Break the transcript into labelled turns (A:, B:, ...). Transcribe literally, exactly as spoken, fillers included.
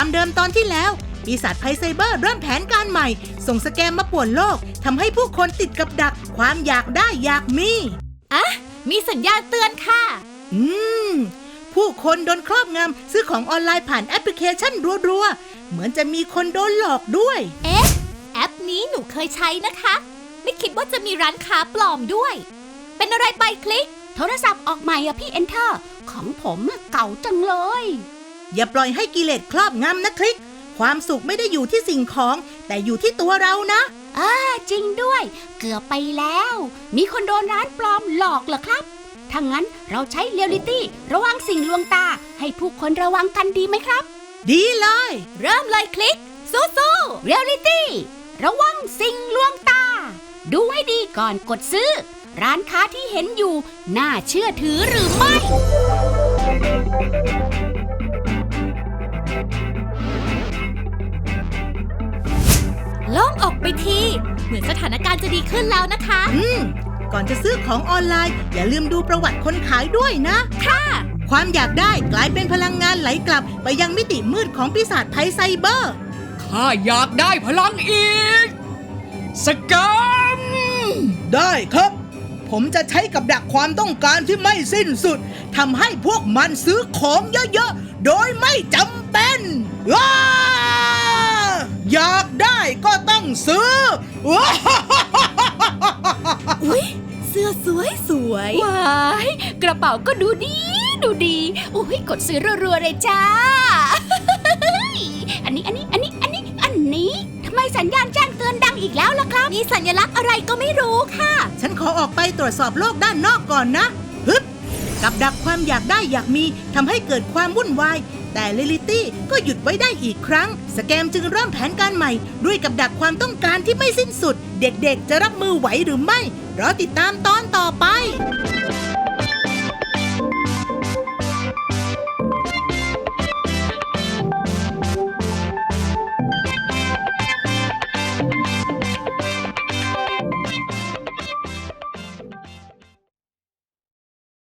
A: ความเดิมตอนที่แล้วปีศาจไพไซเบอร์เริ่มแผนการใหม่ส่งสแกมมาป่วนโลกทำให้ผู้คนติดกับดักความอยากได้อยากมี
B: อ่ะมีสัญญาณเตือนค่ะ
A: อืมผู้คนโดนครอบงำซื้อของออนไลน์ผ่านแอปพลิเคชันรัวๆเหมือนจะมีคนโดนหลอกด้วย
B: เอ๊ะแอปนี้หนูเคยใช้นะคะไม่คิดว่าจะมีร้านค้าปลอมด้วยเป็นอะไรไปคลิก
C: โทรศัพท์ออกใหม่อะพี่เอนเตอร์ของผมเก่าจังเลย
A: อย่าปล่อยให้กิเลสครอบงำนะคลิกความสุขไม่ได้อยู่ที่สิ่งของแต่อยู่ที่ตัวเรานะ
C: อ่าจริงด้วยเกือบไปแล้วมีคนโดนร้านปลอมหลอกเหรอครับถ้างั้นเราใช้เรียลลิตี้ระวังสิ่งลวงตาให้ผู้คนระวังกันดีไหมครับ
A: ดีเลย
B: เริ่มเลยคลิกสู้ๆ
C: เรียลลิตี้ระวังสิ่งลวงตาดูให้ดีก่อนกดซื้อร้านค้าที่เห็นอยู่น่าเชื่อถือหรือไม่
B: โล่งออกไปทีเหมือนสถานการณ์จะดีขึ้นแล้วนะคะ
A: อืมก่อนจะซื้อของออนไลน์อย่าลืมดูประวัติคนขายด้วยนะ
B: ค่ะ
A: ความอยากได้กลายเป็นพลังงานไหลกลับไปยังมิติมืดของปีศาจไพไซเบอร์
D: ข้าอยากได้พลังอีกสแกม
A: ได้ครับผมจะใช้กับดักความต้องการที่ไม่สิ้นสุดทำให้พวกมันซื้อของเยอะๆโดยไม่จำเป็นว้าอยากได้ก็ต้องซื้อว้า
B: อุ๊ยเสื้อสวยสวย
C: ว้ายกระเป๋าก็ดูดีดูดีอุ้ยกดซื้อรัวๆเลยจ้า อันนี้อันนี้อันนี้อันนี้อันนี้ทำไมสัญญาณแจ้งเตือนดังอีกแล้วล่ะครับ
B: มีสัญลักษณ์อะไรก็ไม่รู้ค่ะ
A: ฉันขอออกไปตรวจสอบโลกด้านนอกก่อนนะฮึบกับดักความอยากได้อยากมีทำให้เกิดความวุ่นวายแต่เรลิตี้ก็หยุดไว้ได้อีกครั้งสแกมจึงเริ่มแผนการใหม่ด้วยกับดักความต้องการที่ไม่สิ้นสุดเด็กๆจะรับมือไหวหรือไม่รอติดตามตอนต่อไป